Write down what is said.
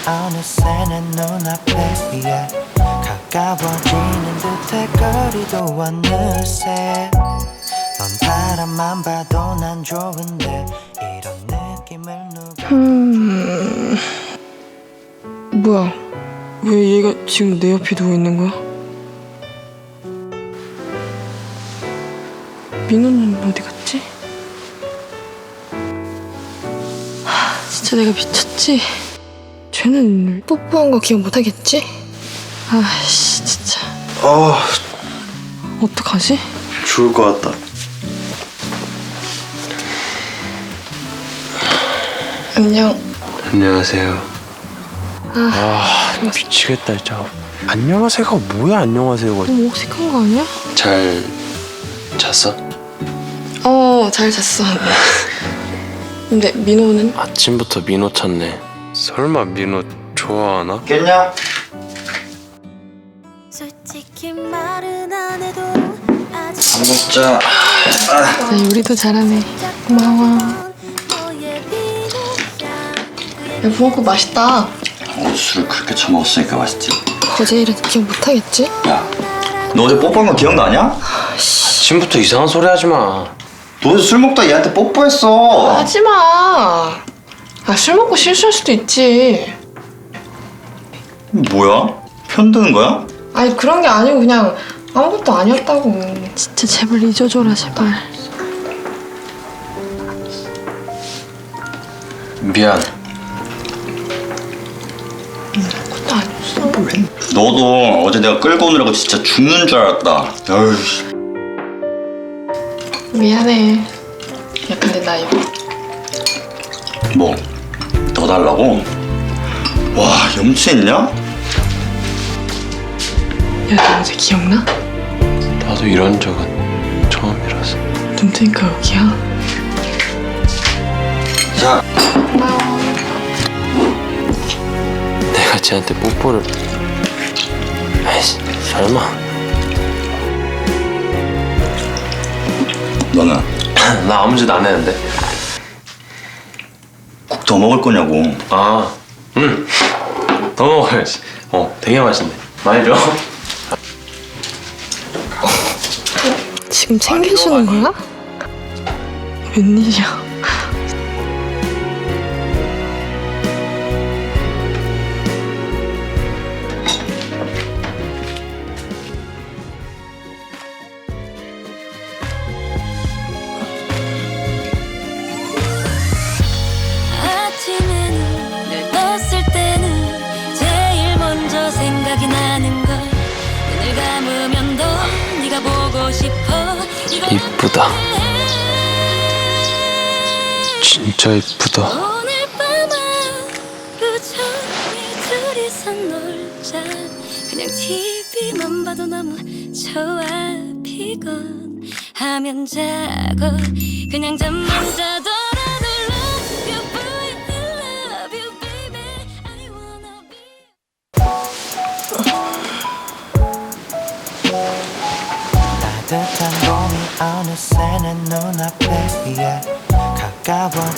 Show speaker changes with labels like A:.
A: 어느새 내 눈앞에 가까워지는 듯해 거리도 어느새 넌 바람만 봐도 난 좋은데 이런 느낌을 누가
B: 뭐야? 왜 얘가 지금 내 옆에 누워 있는 거야? 민호는 어디 갔지? 진짜 내가 미쳤지? 쟤는 뽀뽀한 거 기억 못 하겠지? 아씨 진짜 어떡하지?
C: 죽을 것 같다.
B: 안녕.
C: 안녕하세요. 미치겠다 진짜. 안녕하세요가 뭐야 안녕하세요가.
B: 너무 어색한 거 아니야?
C: 잘 잤어?
B: 잘 잤어. 근데 민호는?
C: 아침부터 민호 찾네. 설마 민호 좋아하나?
A: 깼냐?
D: 솔직히 말은 안 해도
A: 밥 먹자.
B: 나 요리도 잘하네. 고마워. 야 붕어국 맛있다.
E: 술을 그렇게 처먹었으니까 맛있지.
B: 어제 일은 기억 못 하겠지?
E: 야, 너 어제 뽀뽀한 거 기억나냐?
C: 아침부터 이상한 소리 하지 마.
E: 너 어제 술 먹다 얘한테 뽀뽀했어.
B: 하지마. 술 먹고 실수할 수도 있지.
E: 뭐야? 편드는 거야?
B: 아니 그런 게 아니고 그냥 아무것도 아니었다고. 진짜 제발 잊어줘라 제발.
C: 미안.
B: 아무것도 아니었어.
E: 너도 어제 내가 끌고 오느라고 진짜 죽는 줄 알았다. 어이씨.
B: 미안해. 야 근데 나 이거
E: 뭐? 더 달라고? 와, 염치했냐?
B: 야 너 어제 기억나?
C: 나도 이런 적은 처음이라서.
B: 눈 뜨니까 여기야.
E: 자,
C: 내가 쟤한테 뽀뽀를. 에이씨 설마.
E: 너는
C: 나 아무 짓 안 했는데.
E: 국 더 먹을 거냐고.
C: 더 먹어야지. 되게 맛있네. 많이 줘.
B: 지금 챙겨주는 거야? 웬일이야?
D: 아침에는 늘 떴을 때는 제일 먼저 생각이 나는 걸 눈을 감으면 너 네가 보고 싶어 이걸
C: 이쁘다. 진짜 이쁘다.
D: 오늘 밤 하루 종일 둘이서 놀자 그냥 TV만 봐도 너무 좋아 피곤 하면 자고 그냥 잠만 자더라도 love you boy I love you baby I wanna be
A: 따뜻한 봄이 어느새 내 눈앞에 가까워